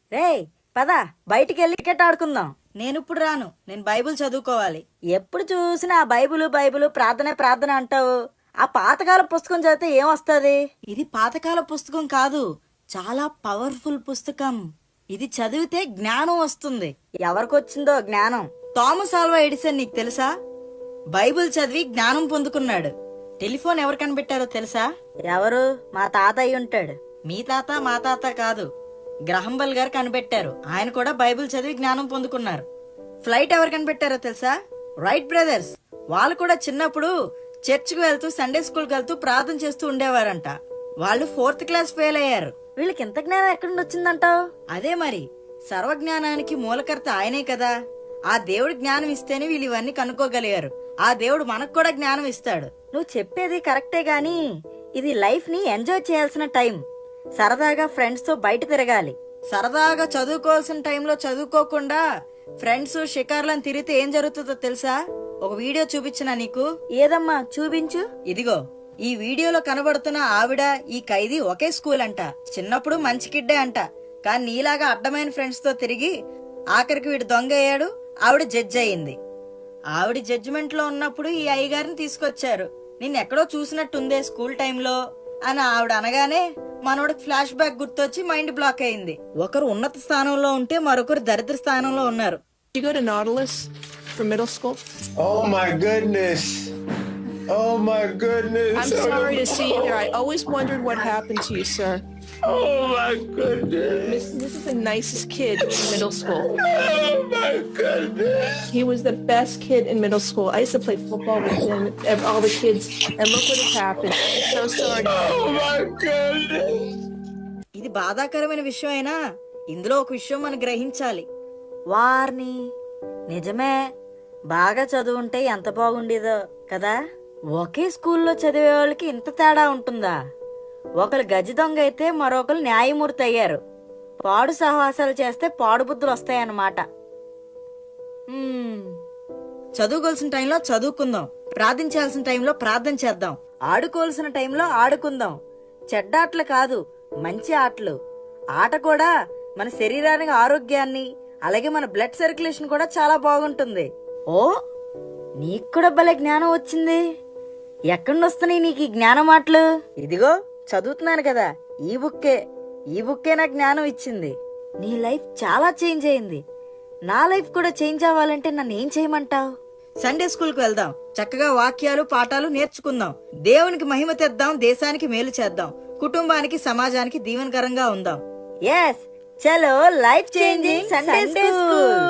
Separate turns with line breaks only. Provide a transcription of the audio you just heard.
రేయ్ పద బయటికి వెళ్ళి క్రికెట్ ఆడుకుందాం.
నేను ఇప్పుడు రాను, నేను బైబిల్ చదువుకోవాలి.
ఎప్పుడు చూసినా ఆ బైబిలు బైబిలు ప్రార్థన ప్రార్థన అంటావు. ఆ పాతకాల పుస్తకం చదివితే ఏమొస్తుంది?
ఇది పాతకాల పుస్తకం కాదు, చాలా పవర్ఫుల్ పుస్తకం. ఇది చదివితే జ్ఞానం వస్తుంది.
ఎవరికొచ్చిందో జ్ఞానం?
థామస్ ఆల్వా ఎడిసన్ నీకు తెలుసా? బైబిల్ చదివి జ్ఞానం పొందుకున్నాడు. టెలిఫోన్ ఎవరు కనిపెట్టారో తెలుసా?
ఎవరు? మా తాతయ్య ఉంటాడు.
మీ తాత మా తాత కాదు, గ్రహం బెల్ గారు కనిపెట్టారు. ఆయన కూడా బైబిల్ చదివి జ్ఞానం పొందుకున్నారు. ఫ్లైట్ ఎవరు కనిపెట్టారో తెలుసా? Wright brothers. వాళ్ళు కూడా చిన్నప్పుడు చర్చికి వెళ్తూ సండే స్కూల్కి వెళ్తూ ప్రార్థన చేస్తూ ఉండేవారంట. వాళ్ళు 4th క్లాస్ ఫెయిల్ అయ్యారు.
వీళ్ళకి ఇంత జ్ఞానం ఎక్కడి నుండి వచ్చిందంటావు?
అదే మరి, సర్వజ్ఞానానికి మూలకర్త ఆయనే కదా. ఆ దేవుడు జ్ఞానం ఇస్తేనే వీళ్ళు ఇవన్నీ కనుక్కోగలిగారు. ఆ దేవుడు మనకు కూడా జ్ఞానం ఇస్తాడు.
నువ్వు చెప్పేది కరెక్టే గాని ఇది లైఫ్ ని ఎంజాయ్ చేయాల్సిన టైం. సరదాగా ఫ్రెండ్స్ తో బయట తిరగాలి.
సరదాగా చదువుకోవాల్సిన టైంలో చదువుకోకుండా ఫ్రెండ్స్ షికార్లను తిరిగితే ఏం జరుగుతుందో తెలుసా? ఒక వీడియో చూపించినా నీకు.
ఏదమ్మా చూపించు.
ఇదిగో, ఈ వీడియోలో కనబడుతున్న ఆవిడ ఈ ఖైదీ ఒకే స్కూల్ అంట. చిన్నప్పుడు మంచి కిడ్డే అంట. కానీ నీలాగా అడ్డమైన ఫ్రెండ్స్ తో తిరిగి ఆఖరికి వీడు దొంగ అయ్యాడు. ఆవిడ జడ్జ్ అయింది. ఆవిడ జడ్జిమెంట్ లో ఉన్నప్పుడు ఈ అయ్యగారిని తీసుకొచ్చారు. నిన్నెక్కడో చూసినట్టుందే స్కూల్ టైంలో అని ఆవిడ అనగానే మనోడికి ఫ్లాష్ బ్యాక్ గుర్తొచ్చి మైండ్ బ్లాక్ అయింది. ఒకరు ఉన్నత స్థానంలో ఉంటే మరొకరు దరిద్ర స్థానంలో ఉన్నారు.
You go to Nautilus for middle school?
Oh my goodness. Oh my goodness.
I'm sorry to see you there. I always wondered what happened to you, sir.
Oh my goodness.
This is the nicest kid in middle school.
Oh my goodness.
He was the best kid in middle school. I used to play football with him, all the kids, and look what has happened. I'm so sorry.
Oh my goodness.
ఇది బాధాకరమైన విషయం అయినా ఇందులో ఒక విషయం మనం గ్రహించాలి.
వార్ని నిజమే, బాగా చదువుంటే ఎంత బాగుండేదో కదా. ఒకే స్కూల్లో చదివే వాళ్ళకి ఇంత తేడా ఉంటుందా? ఒకరు గజి దొంగ అయితే మరొకరు న్యాయమూర్తి అయ్యారు. పాడు సహవాసాలు చేస్తే పాడు బుద్ధులు వస్తాయన్నమాట.
చదువుకోవాల్సిన టైంలో చదువుకుందాం, ప్రార్థించాల్సిన టైంలో ప్రార్థన చేద్దాం,
ఆడుకోవాల్సిన టైంలో ఆడుకుందాం. చెడ్డ ఆటలు కాదు, మంచి ఆటలు. ఆట కూడా మన శరీరానికి ఆరోగ్యాన్ని, అలాగే మన బ్లడ్ సర్క్యులేషన్ కూడా చాలా బాగుంటుంది. ఓ, నీకు కూడా భలే జ్ఞానం వచ్చింది. ఎక్కడి వస్తున్నాయి నీకు ఈ జ్ఞానం మాటలు? ఇదిగో చదువుతున్నాను కదా, ఈ బుక్కే నాకు జ్ఞానం ఇచ్చింది. నీ లైఫ్ చాలా చేంజ్ అయింది. నా లైఫ్ కూడా చేంజ్ అవ్వాలంటే నన్ను ఏం చేయమంటావు?
సండే స్కూల్ కు వెళ్దాం, చక్కగా వాక్యాలు పాఠాలు నేర్చుకుందాం, దేవునికి మహిమ తెద్దాం, దేశానికి మేలు చేద్దాం, కుటుంబానికి సమాజానికి దీవెనకరంగా ఉందాం.
ఎస్, చలో లైఫ్ చేంజింగ్ సండే స్కూల్.